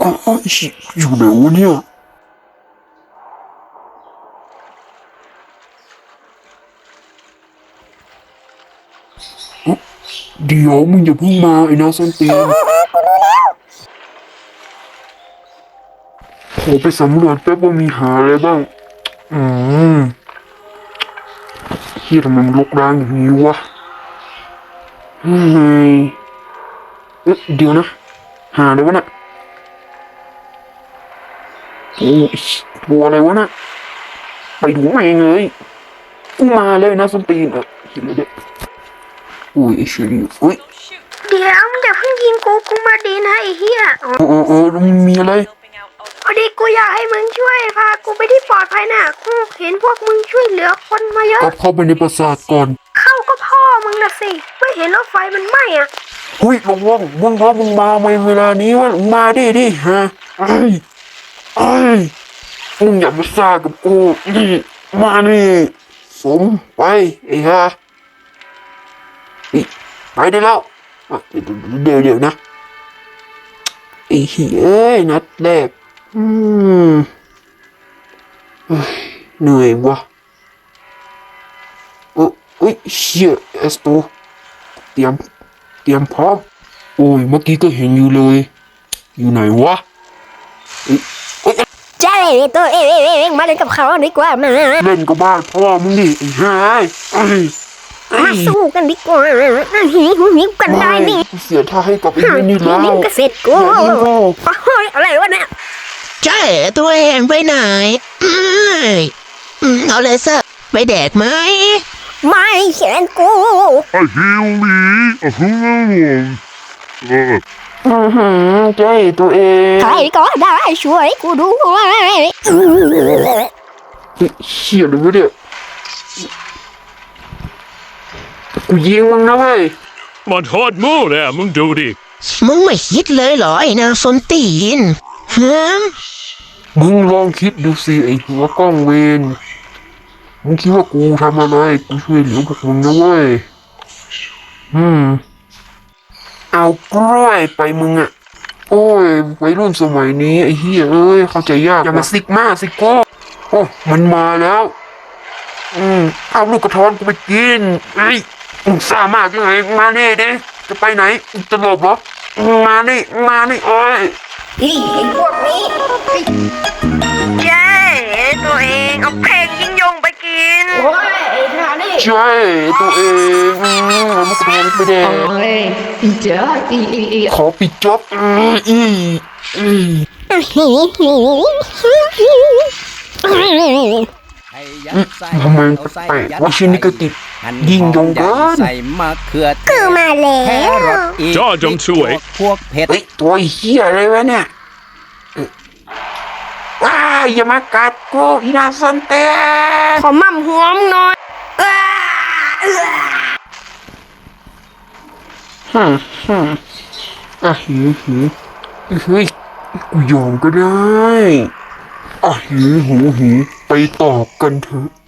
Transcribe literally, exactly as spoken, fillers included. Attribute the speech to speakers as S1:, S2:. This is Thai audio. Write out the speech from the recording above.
S1: อ๋ออยู่ไหนวะเนี่ยเดี๋ยวมึงอย่าเพิ่งมาไอ้นาส้นตีนขอไปสำรวจแป๊บว่ามีหาอะไรบ้างอืมเฮียทำไมมันรกร้างอย่างนี้วะเฮ้ยเอ๊ะเดี๋ยวนะหาอะไรวะน่ะโอ้ยตัวอะไรวะน่ะไปดูมาเองเลยกูมาเลยนะส้นตีนเออเห็นเลยเด็กอุ้ยไอ้เชอรี่อุ้ย
S2: เดี๋ยวมึงอย่าเพิ่งยิงกูกูมาดีนะไอ้เหี้ย
S1: โอ้โอ้โอ้แล้วมันมีอะไร
S2: พอดีกูอยากให้มึงช่วยพากูไปที่ปลอดภัยน่ะกูเห็นพวกมึงช่วยเหลือคนมาเยอะ
S1: ก็เข้าไปในปราสาทก่อน
S2: เข้าก็พ่อมึงนะสิไม่เห็นรถไฟมันไหม้อ่ะ
S1: อุ้ยลงว่างมึงครับมึงมาในเวลานี้วะมึงมาดิดิฮะไอ้ไอ้มึงอย่ามาซ่ากับกูนี่มานี่สมไปไอ้ฮะไปได้แล้วเดี๋ยวเดี๋ยวนะไอ้เหี้ยนัดแรกอืมเหนื่อยวะโอ้ยเชี่ยเอสโตเตรียมเตรียมพร้อมโอ้ยเมื่อกี้ก็เห็นอยู่เลยอยู่ไหนวะ
S2: ใช่ตัวเองมาเล่นกับเขาดีกว่ามา
S1: เล่นกับบ้านพ่อมึงดิไอ้ห่าไอ้
S2: มาสู้กันดีกว่าหิวหิวกันได้นี่
S1: เสียท่าให้กับไอ้นี่แล้ว
S2: นี่ก็เสร็จกูอะไรวะเนี่ย
S3: ใช่ตัวเองไปไหนเอาเลยซะไปแดกไหม
S2: ไม่เขียนกู
S1: ไอ้ฮิวมีอ่ะฮึ่มเอออือหือใจตัวเอง
S2: ใครก็ได้ช่วยกูด้วย
S1: เชี่ยเลยวะเนี่ยกูยิงมึงนะเว้ย
S4: มันโหดมู่เลยมึงดูดิ
S3: มึงไม่คิดเลยเหรอไอ้นางส้นตีนฮะ
S1: มึงลองคิดดูสิไอ้หัวกล้องเวรมึงคิดว่ากูทำอะไรกูช่วยเหลือพวกมึงนะเว้ยอืมเอากล้วยไปมึงอ่ะโอ้ยวัยรุ่นสมัยนี้ไอ้เหี้ยเอ้ยเข้าใจยากอย่ามาซิกมาซิโก้โอ้มันมาแล้วอืมเอาลูกกระท้อนกูไปกินเอ้ยมึงซ่ามากยังไงมาเน่เด้จะไปไหนจะหลบเหรอมานี่มานี่โอ้ย
S2: ไอ้พวกนี้เย้ตัวเองเอาเพลงยิงยงไปกินโอ้ยไอ้ท่านี่
S1: ใช่ตัวเองอืมลูกกระท้อนไปแดง
S2: โอ้ยเจ้าอี
S1: ขอปิดจ็อบอืมอืมอืมทำไมแปลกว่าชิ้นนี้ก็ติดยิงยงเกิน
S5: ใส่มะเขือ
S2: คือมาแล้ว
S4: จอจงช่วย
S5: พวกเผ็ด
S1: ตัวเหี้ยอะไรวะเนี่ยว้าอย่ามากัดกูอีนาสันเต้
S2: ขอมั่มหัวมึงหน่อย
S1: ฮึมฮึมอ่ะหิวหิวเฮ้ยกูยอมก็ได้อ่ะหิวหิวหิวไปต่อกันเถอะ